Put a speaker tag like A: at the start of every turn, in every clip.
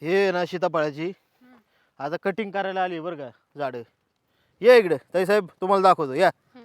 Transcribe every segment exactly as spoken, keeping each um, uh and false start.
A: हे ना सीताफळाची
B: हम्म.
A: आता कटिंग करायला आली बरं का झाडं. ये इकडे ताई साहेब, तुम्हाला दाखवतो या.
B: हम्म.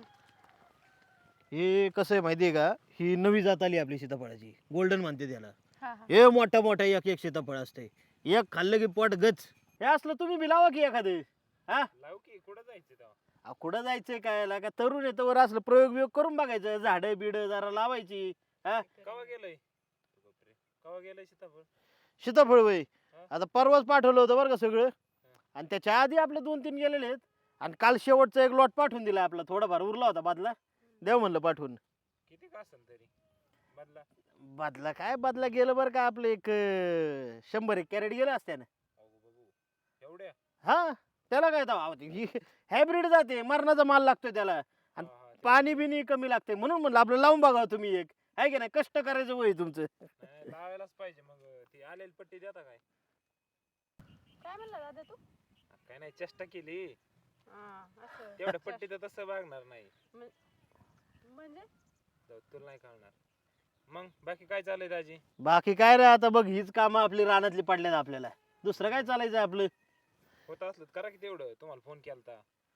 A: हे कसं आहे माहिती आहे का, ही नवी जात आली आपली सीताफळाची, गोल्डन म्हणते त्याला.
B: हा हा
A: हे मोठा मोठा एक एक सीताफळ असते, एक खाल्लं की पोट गच. हे असलं तुम्ही बी लावा की एखादं. हा
C: लाव की कुठं जायचं तेव्हा?
A: अहो, कुठं जायचंय काय का तरुण येतं वर असलं प्रयोग बियोग करून बघायचं, झाडं बिड जरा लावायची. हा
C: कवा गेलंय बापरे, कवा गेलंय सीताफळ?
A: सीताफळ वय
C: हा?
A: आता परवाच पाठवलं होतं बरं का सगळं, आणि त्याच्या आधी आपले दोन तीन गेलेले आहेत, आणि काल शेवटचा एक लॉट पाठवून दिला आपला, थोडाफार उरला होता बादला, देव म्हणलं पाठवून.
C: किती का असेल तरी बदला?
A: बादला काय बादला गेलं बरं का आपलं एक अं, शंभर एक कॅरेट गेलं असत्यानं.
C: अगो बघू एवढ्या.
A: हा त्याला काय तर हायब्रिड जाते, मरणाचा माल लागतोय त्याला, आणि
C: हा, हा, ते-
A: पाणी बिनी कमी लागते, म्हणून म्हणलं आपलं लावून बघा तुम्ही एक, आहे की नाही, कष्ट करायचं वय तुमचं.
C: नाही, लावायलाच पाहिजे. मग ती आलेली पट्टी देता काय?
B: काय म्हणला दादा तू?
C: काय नाही, चेष्टा केली
B: हा, असं.
C: तेवढ्या पट्टी तर तसं वागणार नाही.
B: म्हणजे
C: जाऊ, तुला नाही कळणार. मग बाकी काय चाललंय दाजी?
A: बाकी काय रे, आता बघ हीच कामं आपली रानातली पडल्यात आपल्याला, दुसरं काय चालायचं आपलं.
C: होत असलं तर करा की तेवढं. तुम्हाला फोन केलता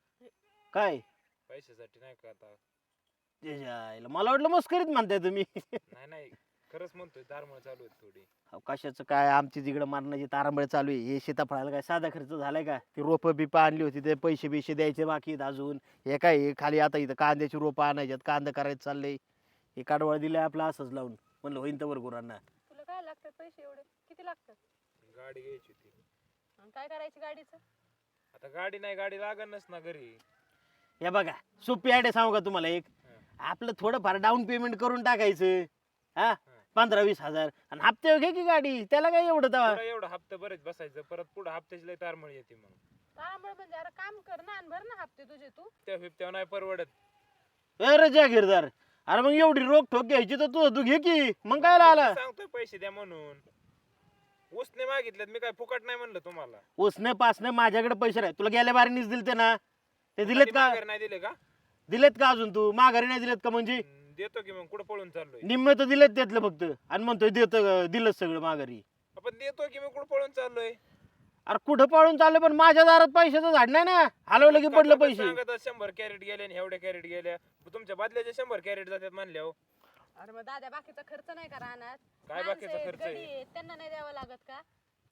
A: काय
C: पैशासाठी, नाही का आता?
A: त्याच्या आईला, मला वाटलं मस्करीत म्हणताय तुम्ही.
C: नाही नाही, खरंच म्हणतोय, दारमळ चालू आहे थोडी.
A: अहो, कशाचं काय, आमची तिकडं मारण्याची तारांबळ चालू आहे. हे सीताफळाला काय साधा खर्च झालाय का? ती रोपं बिपं आणली होती, ते पैसे बिशे द्यायचे बाकी आहेत अजून. हे काय हे खाली आता इथं कांद्याची रोपं आणायच्यात, कांदा करायचं चाललंय. हे काढवळ दिलंय आपलं असंच लावून, म्हणलं होईन तर गुरांना.
B: तुला काय लागतात पैसे एवढे? किती लागतात?
C: गाडी घ्यायची होती.
B: आणि काय करायची गाडीचं?
C: आता गाडी नाही, गाडी लागणच ना घरी.
A: हे बघा सोपी आयडिया सांगू का तुम्हाला एक, आपलं थोडंफार डाऊन पेमेंट करून टाकायचं, हा पंधरा वीस हजार, आणि हप्ते घे की गाडी, त्याला काय एवढं तवा.
C: पुढं एवढं हप्ता बरेच बसायचं, परत पुढे हप्त्याची लय तारमळ येते. मग
B: तांबळ म्हणजे अरे काम कर ना आणि भर ना हप्ते तुझे तू.
C: त्या फिफ्त्या नाही परवडत.
A: अरे जागीरदार, अरे मग एवढी रोख ठोक घ्यायची तर तू तू घे की, मग काय आला.
C: सांगतोय पैसे द्या म्हणून. उसने मागितलेत, मी काय फुकट नाही म्हणलं तुम्हाला.
A: उसने पासने माझ्याकडे पैसे नाही, तुला गेल्या बारीनीच दिलते ना, ते दिलेत
C: कधी
A: का?
C: माघारी नाही दिले का?
A: दिलेत का अजून तू माघारी नाही दिलेत का? म्हणजे
C: हम्म, देतो की. मग कुठं पळून चाललोय?
A: निम्मे तर दिलेत त्यातलं फक्त, आणि म्हणतोय देत दिलं सगळं माघारी.
C: आपण देतो की, मी कुठं पळून चाललोय?
A: अरे कुठं पाळून चाललं, पण माझ्या दारात पैशाचं झाड नाही ना, हलवलं की पडलं
C: काय
A: पैसे.
C: सांगत आहे, शंभर कॅरेट गेले आणि एवढ्या कॅरेट गेल्या. तुमच्या बदल्याचे शंभर कॅरेट जातात म्हणल्या हो.
B: अरे मग दादा बाकीचा खर्च नाही का राहणार?
C: काय बाकीचा
B: माणसं आहेत,
C: खर्च आहे?
B: गडी आहेत, त्यांना नाही द्यावं लागत का?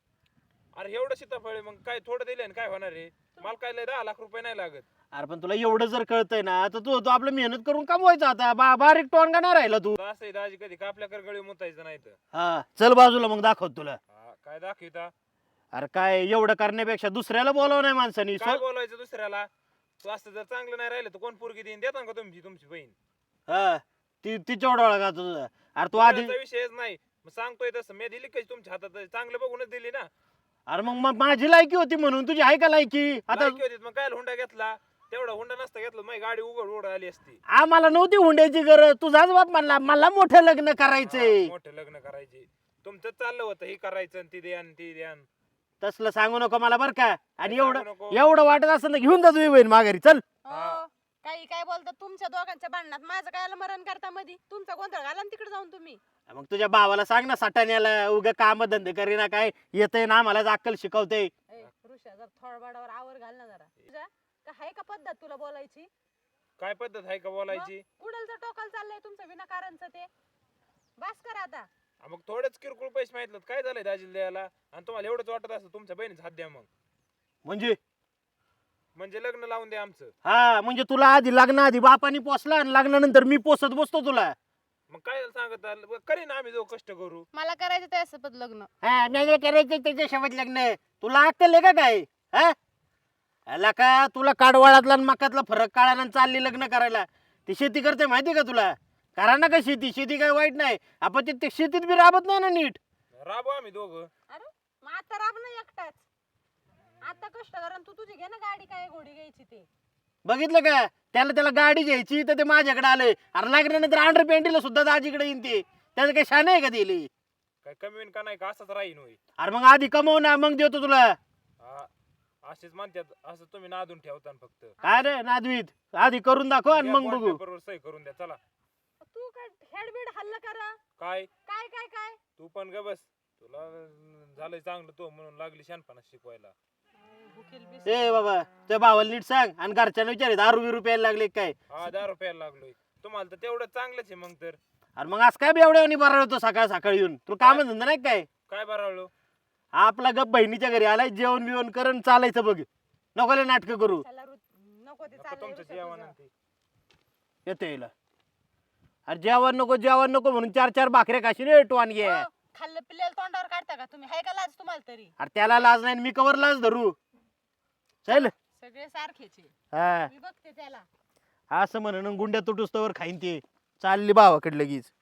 C: अरे एवढं सीताफळ आहे, मग काय थोडं दिले आणि काय होणार आहे? मला काय लय दहा लाख रुपये नाही लागत.
A: अरे पण तुला एवढं जर कळतंय ना, तर तू तू आपलं मेहनत करून कमवायचं आता, बा बारीक टोनगा नाही राहिला तू.
C: असं आहे दाजी, कधी कापल्याकर गळी मुतायचं नाही तर.
A: हा चल बाजूला, मग दाखवत तुला.
C: हा, काय दाखविता?
A: अरे काय एवढं करण्यापेक्षा दुसऱ्याला बोलावं नाही माणसानी.
C: काय बोलायचं दुसऱ्याला? तू असं जर चांगलं नाही राहिलं तर कोण पोरगी देईन? देता का तुमची तुमची बहीण?
A: हा ती तिच्या ओळखा का तुझं? अरे तू आधी,
C: बोलायचा विषयच नाही. मग सांगतोय तसं मी दिली कशी तुमच्या हातात? चांगलं बघूनच दिली ना.
A: अरे मग मग माझी लायकी होती म्हणून, तुझी आहे का लायकी? आता
C: लायकी होती, मग काय हुंडा घेतला? तेवढा हुंडा नसता घेतला, माझी गाडी उघड उघड आली असती.
A: आम्हाला नव्हती हुंड्याची गरज, तुझाच बाप म्हणला मला मोठं लग्न करायचंय.
C: हा, मोठं लग्न करायचे. तुमचं चाललं होतं हे करायचं आणि ती द्यान ती द्यान.
A: तसलं सांगू नको मला बरं का. आणि
C: काय
A: एवढं
C: सांगू नको?
A: एवढं वाटत असं ना, घेऊन जा तुझी बहीण माघारी, चल.
C: हा.
B: हो, काही काय बोलतात तुमच्या दोघांच्या भांडणात? माझं काय मरण करता मधी? तुमचा गोंधळ घाला ना तिकडे जाऊन तुम्ही.
A: मग तुझ्या भावाला सांग ना, सटाण्याला उगा काम धंदे करीना, काय येतंय ना आम्हाला अक्कल शिकवते.
B: ए, ऋषा जर थोडबाडावर आवर घाल ना जरा. तुझ्या का हाय का पद्धत तुला बोलायची?
C: काय पद्धत आहे का बोलायची?
B: कुडलचं टोकाल चाललंय तुमचं विनाकारणचं ते. बस करा आता.
C: हा, मग थोडेच किरकोळ पैसे माहितलं काय झालंय दाजीला द्यायला? आणि तुम्हाला एवढंच वाटत असतं तुमच्या बहिणीच हात द्या. मग
A: म्हणजे
C: म्हणजे लग्न लावून द्या आमचं.
A: हा म्हणजे तुला आधी लग्नाआधी बापानी पोसला, आणि लग्नानंतर मी पोसत बसतो तुला.
C: मग काय सांगत आलं? बरं, करीन आम्ही जो कष्ट करू.
B: मला करायचं त्यासोबत लग्न.
A: हा नाही नाही करायचं त्याच्यासोबत लग्न. तुला अक्कल आहे का काय? हा आला का तुला काडवाळातला आणि मकातला फरक कळाला आणि चालली लग्न करायला? ती शेती करते माहिती का तुला? करा ना का शेती, शेती काय वाईट नाही, आपण ते- ते शेतीत बी राबत नाही ना नीट.
C: राबू आम्ही दोघं.
B: अरे मग आता राब ना एकटाच. आता कष्ट करा आणि तू तुझी घे ना गाडी, काय घोडी घ्यायची ते.
A: बघितलं का? त्याला त्याला गाडी घ्यायची तर ते माझ्याकडे आलंय. अरे लग्नानंतर अंडर पेंटीला सुद्धा दाजीकडे येईन ते. त्याचं काही शान आहे का दिली?
C: काय कमी होईन का नाही का? असंच राहीन होई.
A: अरे मग आधी कमव ना, मग देतो तुला.
C: हा, असेच म्हणतात. असं तुम्ही नादून ठेवता ना फक्त.
A: काय रे नादवीत, आधी करून दाखव आणि मग बघू.
C: बरोबर सही करून द्या. चला.
B: तू काय हेडबीड हल्ला करा?
C: काय
B: काय काय काय?
C: तू पण ग बस. तुला झालंय चांगलं तो म्हणून लागली शहाणपणा शिकवायला.
B: भुकेल बिस
A: ए बाबा त्या भावाला नीट सांग आणि घरच्यांना विचार दारू बिरू प्यायला लागले काय.
C: हा दहा रुपयाला लागलोय तुम्हाला तर तेवढं चांगलंच आहे मग तर.
A: अरे मग आज काय बेवड्यावनी बरा होतो सकाळ सकाळी येऊन तुला काम धंदा नाही काय.
C: काय बरावलो
A: आपला गप बहिणीच्या घरी आलाय जेवण बिवण करून चालायचं बघ नको नाटक करू.
B: त्याला रु- नको ते
C: नको
B: चाललंय
C: तुमचं
B: रुसत
C: जेवण
B: तुझं.
C: आणि ते.
A: येतो येईल अरे जेवण नको जेवण नको म्हणून चार चार भाकऱ्या खाशी रे टोन घे.
B: हो, खाल्लं पिल्लेलं तोंडावर काढता का तुम्ही हाय का लाज तुम्हाला तरी.
A: अरे त्याला लाज नाही मी कवर लाज धरू. चल
B: सगळे सारखेच आहे.
A: हा
B: मी बघते त्याला.
A: असं म्हणून गुंड्या तुटुस्तवर खाईन ते चालली भावाकडे लगेच.